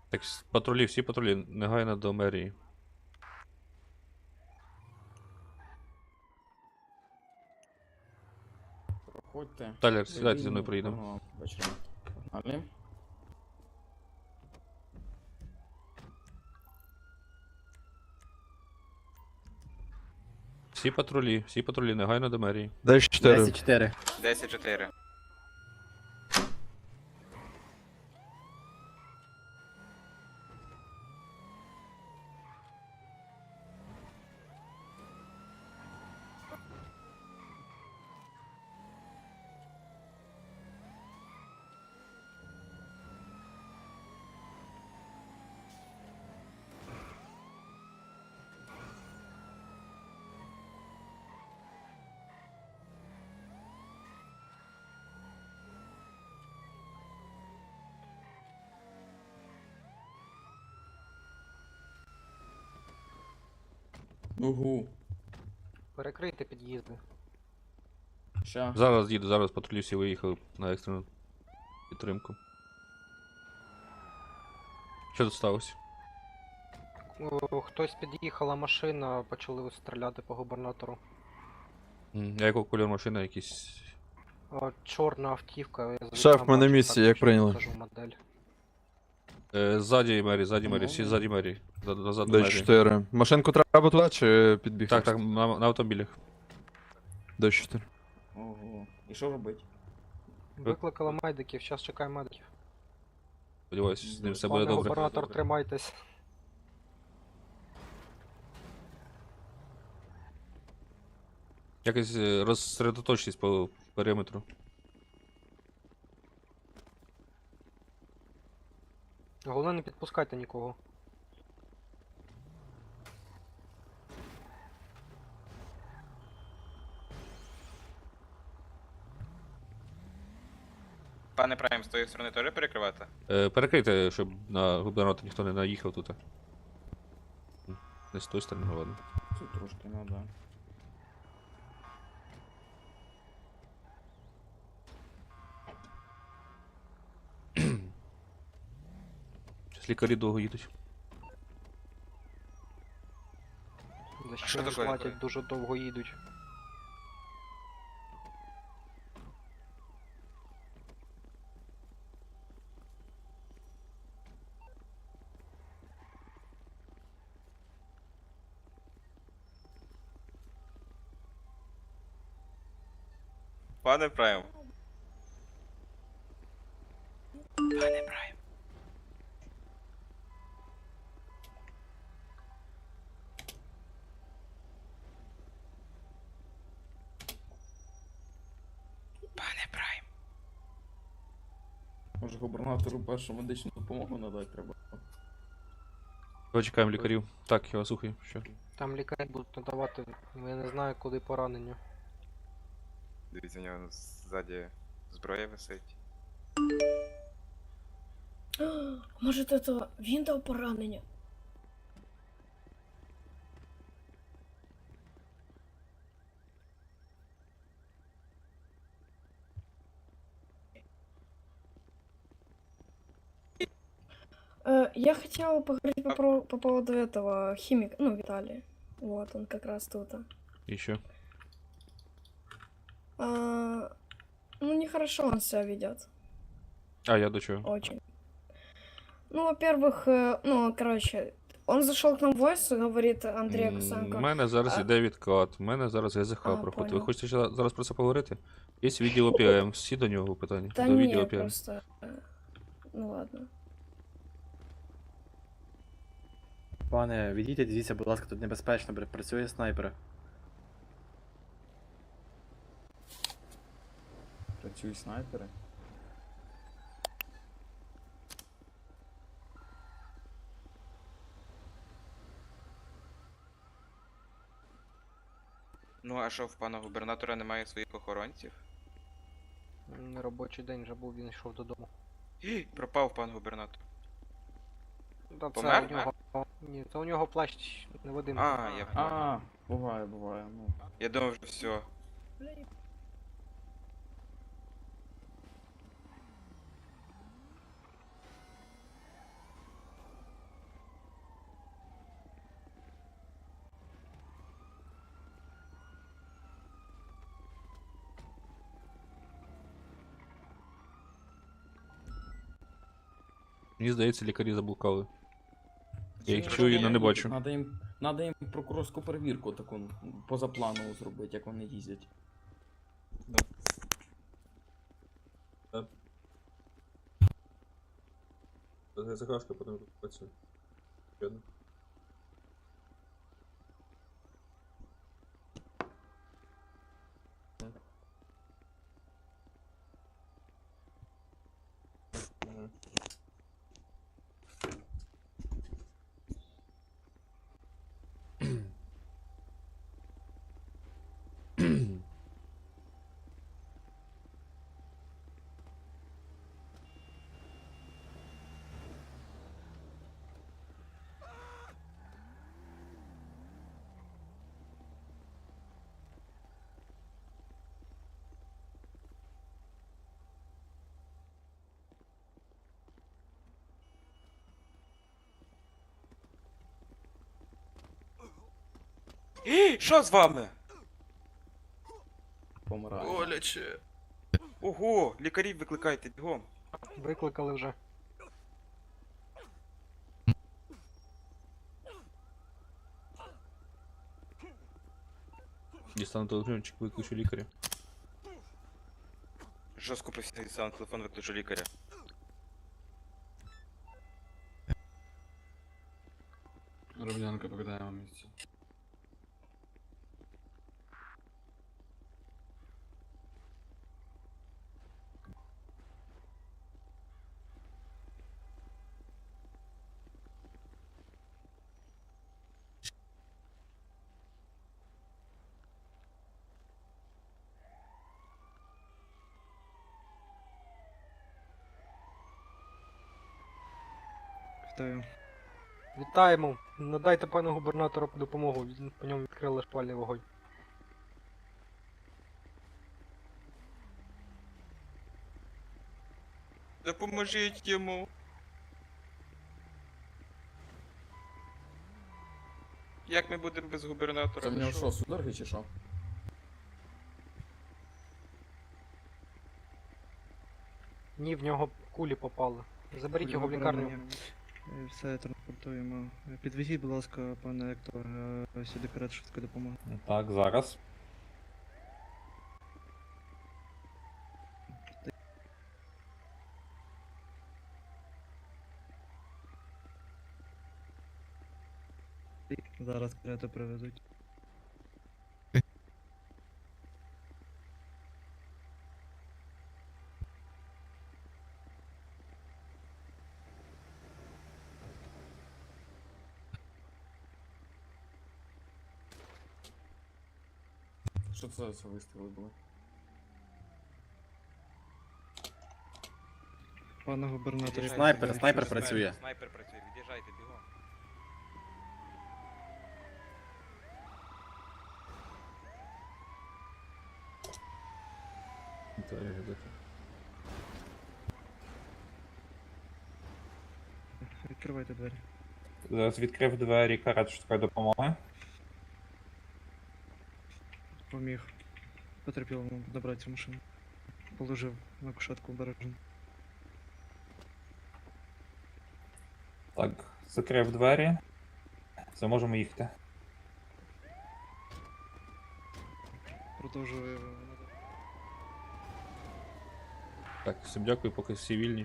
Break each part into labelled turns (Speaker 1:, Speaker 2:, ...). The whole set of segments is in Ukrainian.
Speaker 1: Так, патрулі, всі патрулі, негайно до мерії.
Speaker 2: Проходьте.
Speaker 1: Талер, сідайте зі мною
Speaker 2: Вільно,
Speaker 1: проїдемо.
Speaker 2: гарного вечора. Погнали.
Speaker 1: Всі патрулі, негайно до мерії.
Speaker 3: 10-4.
Speaker 4: 10-4.
Speaker 5: 10-4.
Speaker 2: Угу.
Speaker 6: Перекрийте під'їзди.
Speaker 2: Ща.
Speaker 1: Зараз їду, зараз патрулі всі виїхали на екстрену підтримку. Що тут сталося?
Speaker 6: Хтось під'їхала машина, почали стріляти по губернатору.
Speaker 1: А якого кольору машина якісь.
Speaker 6: Чорна автівка. Я
Speaker 3: Шеф,
Speaker 6: звідти
Speaker 3: ми на
Speaker 6: бачу,
Speaker 3: місці,
Speaker 6: так,
Speaker 3: як
Speaker 6: що
Speaker 3: прийняли.
Speaker 6: покажу модель.
Speaker 1: Ззаді мерії, всі ззаді мерії. Назад до мерії.
Speaker 3: 10-4. Машинку треба туди чи підбігти?
Speaker 1: Так, так, на автомобілях.
Speaker 3: 10-4.
Speaker 2: Ого. І що робить?
Speaker 6: Викликали медиків, зараз чекаємо медиків.
Speaker 1: Сподіваюсь, з ним все буде
Speaker 6: Пане
Speaker 1: добре.
Speaker 6: губернатор, тримайтесь.
Speaker 1: Якось розсередоточтесь по периметру.
Speaker 6: Головне, не підпускайте нікого.
Speaker 5: Пане Прайм, з тої сторони теж перекривати?
Speaker 1: Перекрийте, щоб на губернатор ніхто не наїхав тут. Не з тої сторони, ну ладно.
Speaker 2: Тут трошки надо.
Speaker 1: Щас лікарі довго їдуть.
Speaker 6: За
Speaker 5: що
Speaker 6: що
Speaker 5: таке?
Speaker 6: платять, дуже довго їдуть.
Speaker 5: Пане Прайм. Пане Прайм. Пане Прайм.
Speaker 2: Може губернатору першу медичну допомогу надати треба.
Speaker 1: Почекаємо лікарів. Так, я вас слухаю. Що?
Speaker 6: Там лікарі будуть надавати, я не знаю, куди поранення.
Speaker 5: Дивіться, у нього ззаді зброя висить.
Speaker 7: Може, це він дав поранення? Я хотела поговорить по поводу этого химика, ну, Виталия. Вот, он как раз тут.
Speaker 1: І що?
Speaker 7: Ну, нехорошо он себя ведет.
Speaker 1: А, я до чого?
Speaker 7: Очень. Ну, во-первых, ну, короче, он зашел к нам в войс и говорит Андрей
Speaker 1: У
Speaker 7: Косенко.
Speaker 1: мене зараз іде відкат, у мене зараз ГЗХ
Speaker 7: А,
Speaker 1: проходить. Ви
Speaker 7: понял.
Speaker 1: хочете зараз про це поговорити? Є відділ ОПМ, всі до нього питання.
Speaker 7: Да
Speaker 1: До відділу
Speaker 7: не,
Speaker 1: ОПМ.
Speaker 7: просто... Ну, ладно.
Speaker 4: Пане, відійдіть, дивіться, будь ласка, тут небезпечно, працює снайпер.
Speaker 2: Працюють снайпери.
Speaker 5: Ну, а що, в пана губернатора немає своїх охоронців?
Speaker 6: Робочий день вже був, він йшов додому.
Speaker 5: Пропав пан губернатор.
Speaker 6: Та це
Speaker 5: Помер?
Speaker 6: у нього. Ні, це у нього плащ невидимий.
Speaker 5: А, я понял.
Speaker 2: А, буває, ну.
Speaker 5: Я думав, що все.
Speaker 1: Мені здається, лікарі заблукали. Я їх
Speaker 2: Чи
Speaker 1: чую, але не бачу.
Speaker 2: Надо їм прокурорську перевірку таку позапланову зробити, як вони їздять.
Speaker 1: Загашка, потім працює.
Speaker 5: Що з вами?
Speaker 2: Помирає.
Speaker 3: Боляче.
Speaker 5: Ого, лікарів викликайте, бігом.
Speaker 6: Викликали вже.
Speaker 1: Дістану телефончик, виключу лікаря.
Speaker 5: Жорстко професійний сам телефон викличу лікаря.
Speaker 2: Ромнянка покидаємо місце.
Speaker 8: Вітаю.
Speaker 6: Вітаємо. Надайте пану губернатору допомогу. По ньому відкрили шпальний вогонь.
Speaker 5: Допоможіть йому. Як ми будемо без губернатора?
Speaker 2: Це в нього що, судороги чи що?
Speaker 6: Ні, в нього кулі попали. Заберіть його в лікарню.
Speaker 8: Все транспортуємо. Підвезіть, будь ласка, пане Ектор, сюди карет швидкої допомоги.
Speaker 9: Так, зараз.
Speaker 8: Зараз карету привезуть.
Speaker 2: Що це за вистріли були?
Speaker 8: Пане губернатор,
Speaker 5: Від'їжджайте,
Speaker 4: Снайпер,
Speaker 5: від'їжджайте.
Speaker 4: снайпер працює.
Speaker 5: Снайпер працює, від'їжджайте, бігом.
Speaker 8: відкривайте двері.
Speaker 9: Зараз відкрив двері карет швидкої допомоги.
Speaker 8: Поміг потерпілому добратися в машину. Положив на кушетку обережно.
Speaker 9: Так, закрив двері. Все, можемо їхати.
Speaker 8: Продовжую.
Speaker 1: Так, всім дякую, поки всі вільні.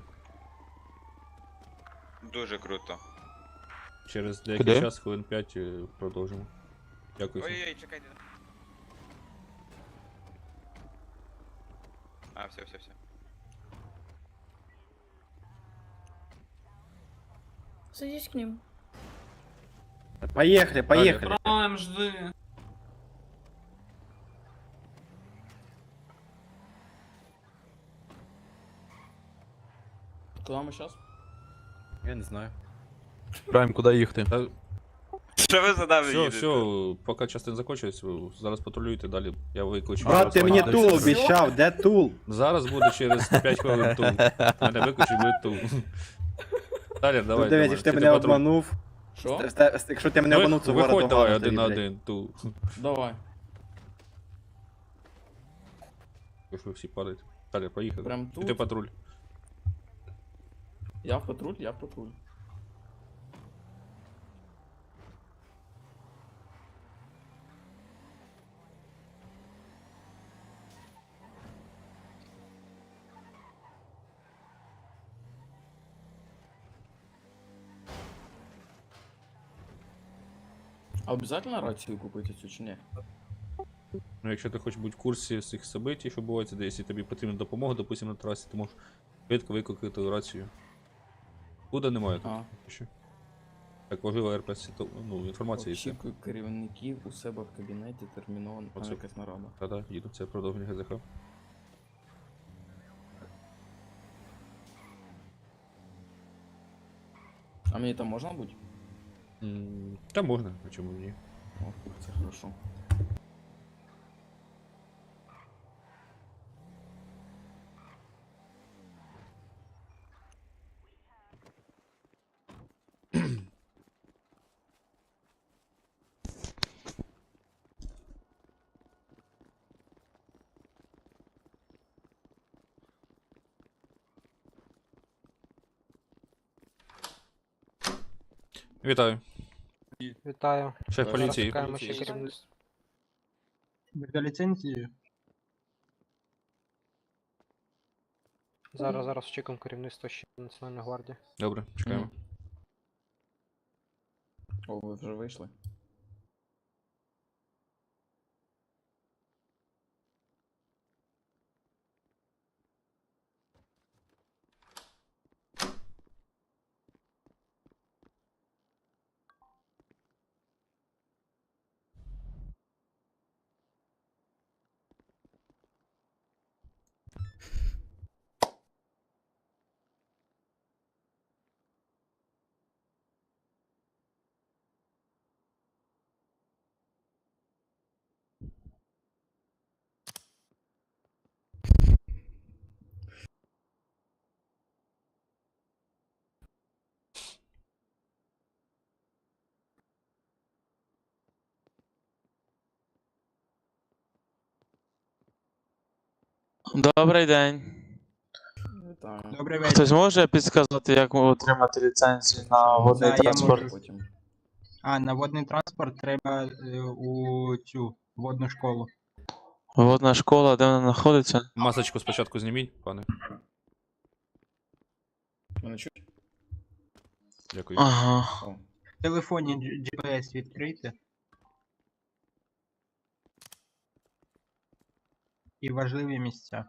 Speaker 5: Дуже круто.
Speaker 1: Через деякий
Speaker 3: Куди?
Speaker 1: час, хвилин 5, продовжимо. Дякую всім.
Speaker 5: Ой-ой, чекайте. А, все.
Speaker 7: Садись к ним.
Speaker 4: Поехали, поехали.
Speaker 2: Прайм, жди. Куда ми зараз?
Speaker 4: Я не знаю.
Speaker 3: Прайм, куди їхати?
Speaker 1: Та,
Speaker 5: Що ви за нами
Speaker 1: все,
Speaker 5: їдете?
Speaker 1: все, поки частина закінчується, ви зараз патрулюєте, далі я викличу.
Speaker 4: Брат, ти мені тул обіцяв, де тул?
Speaker 1: Зараз буде через 5 хвилин тул. Мене виключить, буде тул. Далі, давай.
Speaker 4: Дивись, якщо ти мене обманув.
Speaker 2: Що?
Speaker 4: Якщо ти мене обманув, то
Speaker 1: Виходь, давай,
Speaker 4: ворога
Speaker 1: один на
Speaker 4: тобі, блядь.
Speaker 1: один, тул.
Speaker 2: Давай.
Speaker 1: Якщо ви всі падаєте. Далі, поїхали.
Speaker 2: Прям тут?
Speaker 1: Ти патруль.
Speaker 2: Я в патруль, я в патруль. А обязательно рацію купити цю чи ні?
Speaker 1: Ну, якщо ти хочеш бути в курсі всіх событий, що бувається, де якщо тобі потрібна допомога, допустим, на трасі, ти можеш швидко викликати рацію. Куди немає тут?
Speaker 2: А.
Speaker 1: Ще. Так важлива РПС, ну, інформація і все.
Speaker 2: Очікую керівників у себе в кабінеті терміново. Там
Speaker 1: Оце.
Speaker 2: якась нарада.
Speaker 1: Та-да, їду, це продовження ГЗХ.
Speaker 2: А мені там можна бути?
Speaker 1: Та можна, а чому ні?
Speaker 2: О, це хорошо.
Speaker 1: Вітаю.
Speaker 6: Вітаю.
Speaker 1: Шеф
Speaker 2: Зараз
Speaker 1: поліції.
Speaker 6: Чекаємо ще керівництво.
Speaker 8: Для ліцензії?
Speaker 6: Зараз чекаємо керівництво ще Національної гвардії.
Speaker 1: Добре, чекаємо.
Speaker 2: О, ви вже вийшли?
Speaker 10: Добрий день.
Speaker 2: Вітаю.
Speaker 8: Добрий
Speaker 10: Хтось може підказати, як отримати ліцензію на водний
Speaker 8: я
Speaker 10: транспорт?
Speaker 8: можу.
Speaker 2: Потім.
Speaker 8: А, на водний транспорт треба у цю водну школу.
Speaker 10: Водна школа, де вона знаходиться?
Speaker 1: Масочку спочатку зніміть, пане.
Speaker 2: Мене чуть?
Speaker 1: Дякую.
Speaker 10: Ага.
Speaker 2: О.
Speaker 8: В телефоні GPS відкрийте. І важливі місця.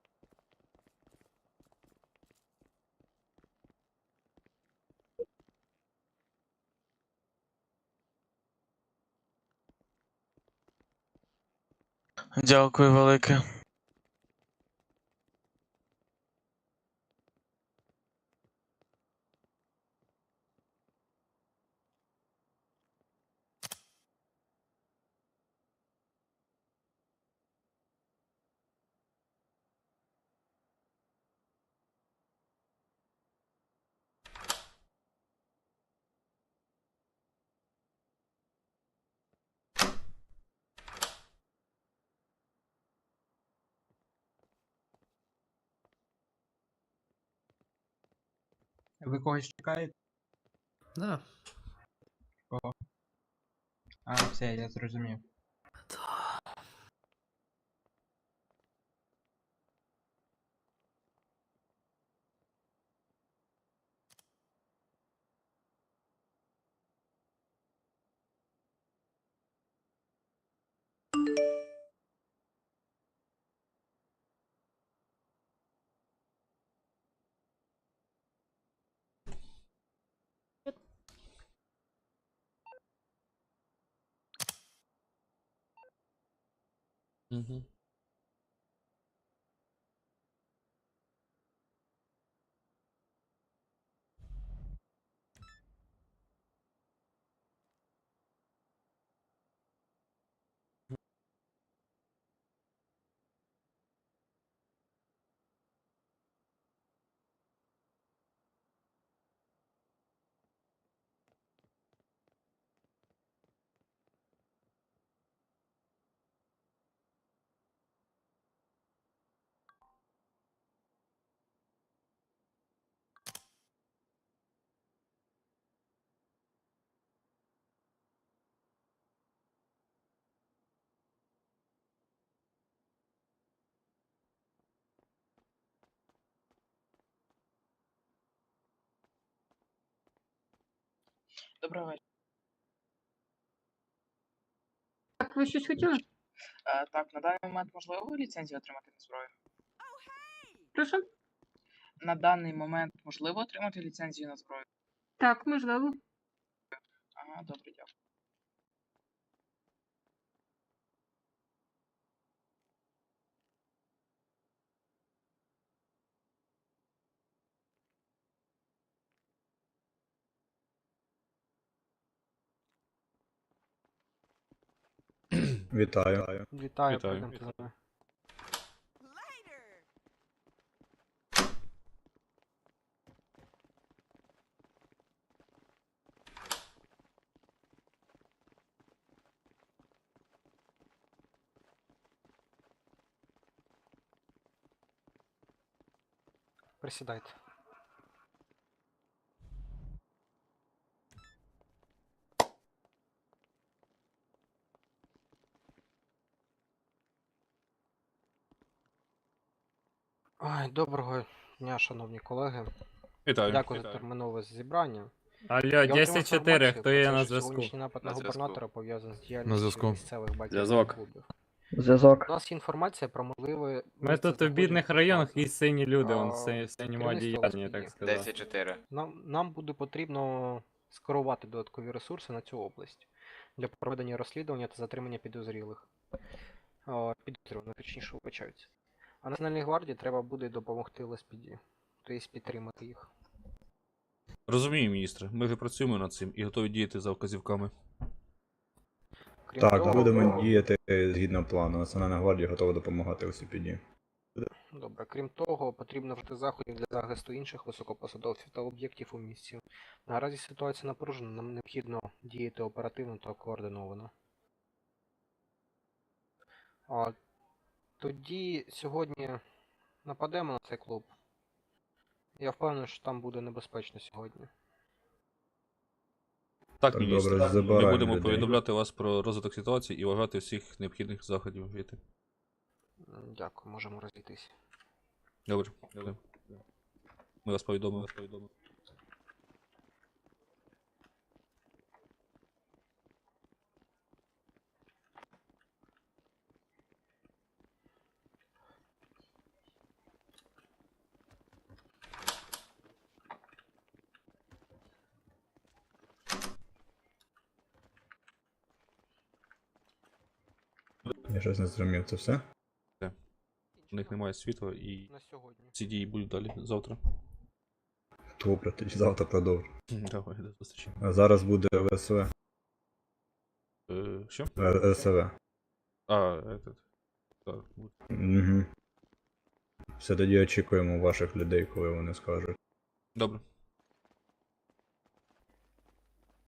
Speaker 10: Дякую велике.
Speaker 8: Ви когось чекаєте?
Speaker 4: Да.
Speaker 8: Кого? А, все, я зрозумів.
Speaker 1: Угу.
Speaker 11: Доброго вечора.
Speaker 6: Так, ви щось хотіли?
Speaker 11: Так, на даний момент можливо ліцензію отримати на зброю?
Speaker 6: Прошу?
Speaker 11: На даний момент можливо отримати ліцензію на зброю?
Speaker 6: Так, можливо.
Speaker 11: Ага, добре, дякую.
Speaker 3: Вітаю.
Speaker 6: Вітаю,
Speaker 1: Вітаю.
Speaker 6: пойдемте за мною. Присідайте. Ой, доброго дня, шановні колеги.
Speaker 1: Вітаю.
Speaker 6: Дякую за термінове зібрання.
Speaker 12: Алло,
Speaker 6: Я отримав
Speaker 12: 10-4,
Speaker 6: інформацію
Speaker 12: хто
Speaker 6: про
Speaker 12: є
Speaker 6: те,
Speaker 12: на
Speaker 6: що
Speaker 12: зв'язку?
Speaker 6: Сьогоднішній напад на
Speaker 5: На зв'язку.
Speaker 6: губернатора пов'язаний з
Speaker 3: На
Speaker 6: діяльністю
Speaker 3: зв'язку.
Speaker 6: місцевих
Speaker 4: Зв'язок.
Speaker 6: байкерських клубів.
Speaker 8: Зв'язок.
Speaker 6: У нас є інформація про можливе...
Speaker 12: Ми тут в бідних районах і сині люди,
Speaker 6: А,
Speaker 12: вон синьому
Speaker 6: керівництво
Speaker 12: одіянні,
Speaker 6: вас
Speaker 12: так
Speaker 6: є.
Speaker 12: сказати.
Speaker 5: 10-4.
Speaker 6: Нам буде потрібно скерувати додаткові ресурси на цю область для проведення розслідування та затримання підозрілих. Підозрюваних, точніше, вибачаються. А Національній гвардії треба буде допомогти ЛСПД, тобто підтримати їх.
Speaker 1: Розумію, міністре. Ми вже працюємо над цим і готові діяти за вказівками.
Speaker 6: Крім
Speaker 3: Так,
Speaker 6: того,
Speaker 3: будемо діяти згідно плану. Національна гвардія готова допомагати ОСПД.
Speaker 6: Добре, крім того, потрібно вжити заходів для захисту інших високопосадовців та об'єктів у місті. Наразі ситуація напружена, нам необхідно діяти оперативно та координовано. Тоді сьогодні нападемо на цей клуб. Я впевнений, що там буде небезпечно сьогодні.
Speaker 1: Так,
Speaker 3: Так,
Speaker 1: міністре.
Speaker 3: добре,
Speaker 1: Ми
Speaker 3: забираємо
Speaker 1: будемо
Speaker 3: людей.
Speaker 1: повідомляти вас про розвиток ситуації і вважати всіх необхідних заходів вжити.
Speaker 6: Дякую, можемо розійтись.
Speaker 1: Добре. Ми вас повідомимо.
Speaker 3: Я щось не зрозумів, це все?
Speaker 1: У них немає світла і
Speaker 6: На сьогодні.
Speaker 1: ці дії будуть далі завтра.
Speaker 3: Добре, тоді завтра продовжу.
Speaker 1: Давай, до зустрічі.
Speaker 3: А зараз буде ВСВ.
Speaker 1: Що?
Speaker 3: СВ.
Speaker 1: Этот. Так, буде.
Speaker 3: Угу. Все, тоді очікуємо ваших людей, коли вони скажуть.
Speaker 1: Добре.